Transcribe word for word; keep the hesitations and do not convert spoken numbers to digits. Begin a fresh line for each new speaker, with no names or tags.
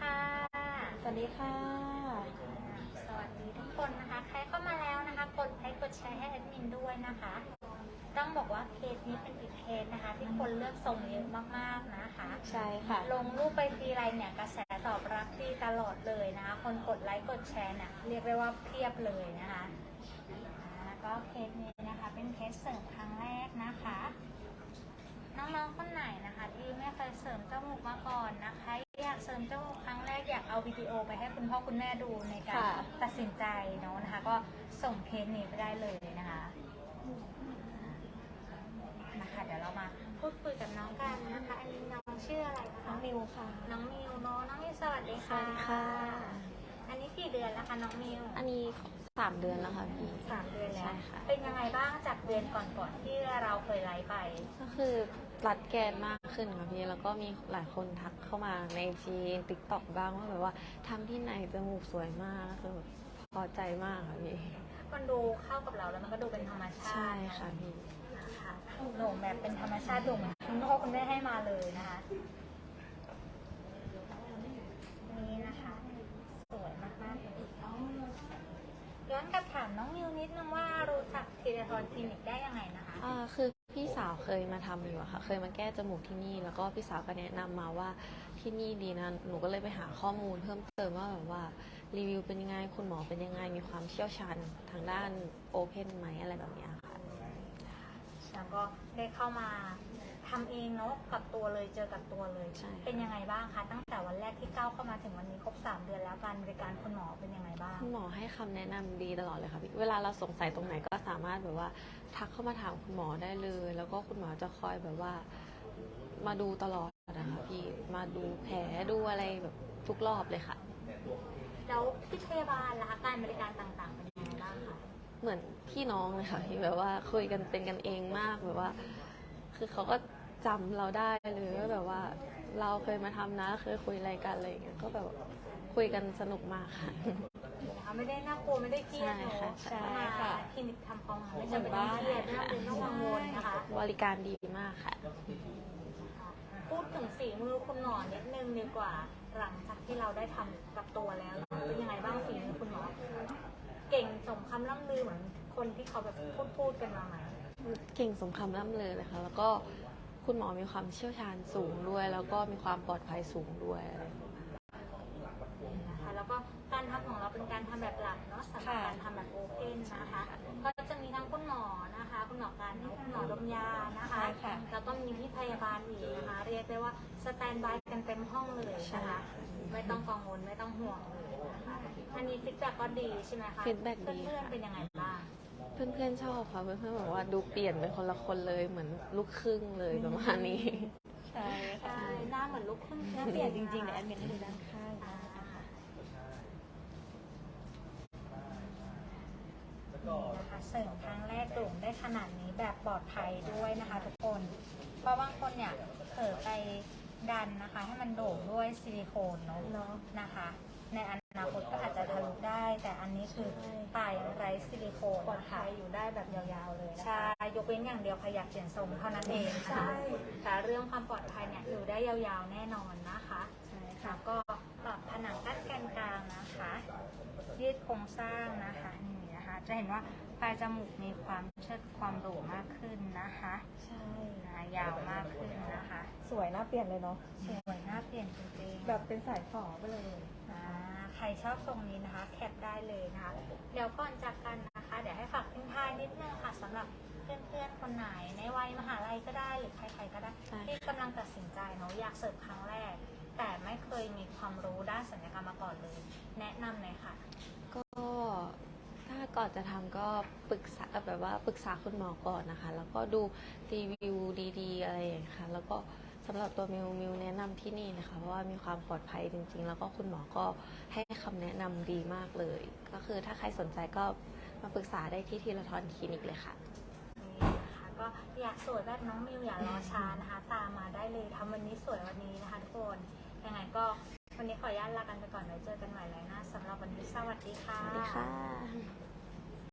ค่ะ
สวัสดีค่ะ
สวัสดีทุกคนนะคะใครเข้ามาแล้วนะคะกดไลค์กดแชร์ให้แอดมินด้วยนะคะต้องบอกว่าเคสนี้เป็นอีกเคสนะคะที่คนเลือกส่งเยอะมากๆนะคะ
ใช่ค่ะ
ลงรูปไปทีไรเนี่ยกระแสตอบรับดีตลอดเลยนะคะคนกดไลค์กดแชร์เนี่ยเรียกได้ว่าเพียบเลยนะคะแล้วก็เคสนี้นะคะเป็นเคสเสริมครั้งแรกนะคะน้องๆคนไหนนะคะที่ไม่เคยเสริมจมูกมาก่อนนะคะอยากเสริมจมูกครั้งแรกอยากเอาวิดีโอไปให้คุณพ่อคุณแม่ดูในการตัดสินใจเนาะนะคะก็ส่งเคสนี้ไปได้เลยนะคะนะคะเดี๋ยวเรามาพูดคุยกับน้องกันนะคะอันนี้น้องชื่ออะไรนะคะ
น้องมิวค่ะ
น้องมิวเนาะน้องมิวสวัสดี
ส
ค่ะ
วัสดีค่ะ
อันนี้กี่เดือนแล้วคะน้องมิว
อันนี้สามเดือนแล้วค่ะพี่
สามเดือนแล้ว
ใช่ค่ะ
เป็นยังไงบ้างจากเดือนก่อนๆที่เราเคยไลฟ์ไป
ก็คือรัดแกนมากขึ้นค่ะพี่แล้วก็มีหลายคนทักเข้ามาในจีติ๊กต็อกบ้างว่าแบบว่าทำที่ไหนจมูกสวยมากคือแบบพอใจมากค่ะพี่
มันดูเข้ากับเราแล้วมันก็ดูเป็นธรรมชาติ
ใช่ค่ะพี่
นะคะโด่งแบบเป็นธรรมชาติโด่งคุณพ่อคุณแม่ให้มาเลยนะคะนี่นะคะสวยมากๆเลยย้อนกลับถามน้องมิวนิดนึงว่ารู้จักทีเดทอนคลินิกได้ยังไงนะคะ
อ่าคือพี่สาวเคยมาทำอยู่อะค่ะเคยมาแก้จมูกที่นี่แล้วก็พี่สาวก็แนะนำมาว่าที่นี่ดีนะหนูก็เลยไปหาข้อมูลเพิ่มเติมว่าแบบว่ารีวิวเป็นยังไงคุณหมอเป็นยังไงมีความเชี่ยวชาญทางด้านโอเพนไหมอะไรแบบนี้ค่ะ
แล้วก็ได้เข้ามาทำเองเนาะกับตัวเลยเจอกับตัวเลยเป็นยังไงบ้างคะตั้งแต่วันแรกที่ก้าวเข้ามาถึงวันนี้ครบสามเดือนแล้วการบริการคุณหมอเป็นยังไงบ้าง
คุณหมอให้คำแนะนำดีตลอดเลยค่ะพี่เวลาเราสงสัยตรงไหนก็สามารถแบบว่าทักเข้ามาถามคุณหมอได้เลย แล้วก็คุณหมอจะคอยแบบว่ามาดูตลอดนะคะพี่มาดูแผลดูอะไรแบบทุกรอบเลยค่ะ
แล้วที่พยาบาลล่ะการบริการต่างๆเป็นยังไงบ้างคะ
เหมือนพี่น้องเลยค่ะที่แบบว่าคุยกันเป็นกันเองมากแบบว่าคือเขาก็จำเราได้เลยว่าแบบว่าเราเคยมาทำนะเคยคุยอะไรกันอะไรอย่างเงี้ยก็แบบคุยกันสนุกมากค่ะ
ไม่ได้น่ากลัวไม่ได้เครียดเนาะใช่ค่ะคลินิกทำความไม่จำเป็นต้องเครียดไม่จำเป็นต้องกังวลนะคะ
บริการดีมากค่ะ
พูดถึงฝีมือคุณหมอนิดนึงดีกว่าหลังจากที่เราได้ทำกับตัวแล้วเป็นยังไงบ้างฝีมือคุณหมอเก่งสมคำล่ำลือเหมือนคนที่เขาแบบพูดพูดกันมาไหม
เก่งสมคำล่ำลือเลยค่ะแล้วก็คุณหมอมีความเชี่ยวชาญสูงด้วยแล้วก็มีความปลอดภัยสูงด้วยอะไร
นะคะแล้วก็การทำของเราเป็นการทำแบบหลักเนาะสำหรับการทำแบบโอเพนนะคะก็จะมีทั้งคุณหมอนะคะคุณหมอการคุณหมอดมยานะคะแล้วก็มีพี่พยาบาลอีกนะคะเรียกได้ว่าสแตนบายกันเต็มห้องเลยนะคะไม่ต้องกังวลไม่ต้องห่วงเลยนะคะอันนี้ฟีดแบ็กก็ดีใช่ไหมคะ
ฟีดแบ็กดี
เพื่อนๆเป็นยังไงบ้าง
เพื่อนๆชอบค่ะเพื่อนๆบอกว่าดูเปลี่ยนเป็นคนละคนเลยเหมือนลูกครึ่งเลยประมาณนี้
ใช่ค่ะหน้าเหมือนลูกครึ่ง
หน้าเปลี่ยนจริงๆแต่แอดมินให้ดูด้านข้าง
นะคะเสริมครั้งแรกโด่งได้ขนาดนี้แบบปลอดภัยด้วยนะคะทุกคนเพราะบางคนเนี่ยเผลอไปดันนะคะให้มันโด่งด้วยซิลิโคนเนาะนะคะในอนาคตก็อาจจะทะลุได้แต่อันนี้คือปลายไร้ซิลิโคนปลอดภัยอยู่ได้แบบยาวๆเลยใช่ยกเว้นอย่างเดียวใครอยากเปลี่ยนทรงเท่านั้นเองนะคะแต่เรื่องความปลอดภัยเนี่ยอยู่ได้ยาวๆแน่นอนนะคะแล้วก็ปรับผนังกั้นแกนกลางนะคะยืดโครงสร้างนะคะนี่นะคะจะเห็นว่าปลายจมูกมีความเชิดความโด่งมากขึ้นนะคะใช่นะยาวมากขึ้นนะคะ
สวยน่าเปลี่ยนเลยเนาะ
สวยน่าเปลี่ยนจริงๆ
แบบเป็นสายฝอไปเลย
อ่าใครชอบทรงนี้นะคะแคปได้เลยนะคะเดี๋ยวก่อนจากกันนะคะเดี๋ยวให้ฝากทิ้งท้ายนิดนึงค่ะสำหรับเพื่อนๆคนไหนในวัยมหาลัยก็ได้หรือใครๆก็ได้ที่กำลังตัดสินใจเนาะอยากเสิร์ฟครั้งแรกแต่ไม่เคยมีความรู้ด้านศัลยกรรมมาก่อนเลยแนะนำเลยค่ะ
ก็ถ้าก่อนจะทำก็ปรึกษาแบบว่าปรึกษาคุณหมอก่อนนะคะแล้วก็ดูรีวิวดีๆอะไรอย่างเงี้ยค่ะแล้วก็สำหรับตัวมิวมิวแนะนำที่นี่นะคะเพราะว่ามีความปลอดภัยจริงๆแล้วก็คุณหมอก็ให้คำแนะนำดีมากเลยก็คือถ้าใครสนใจก็มาปรึกษาได้ที่ทีละทอนคลินิกเลยค่ะ
นี่นะคะก็อยากสวยแบบน้องมิวอย่ารอช้านะคะตามมาได้เลยทำวันนี้สวยวันนี้นะคะทุกคนยังไงก็วันนี้ขออนุญาตลากันไปก่อนไว้เจอกันใหม่เลยนะสำหรับวันนี้สวัสดีค่ะ
สวัสดีค่ะ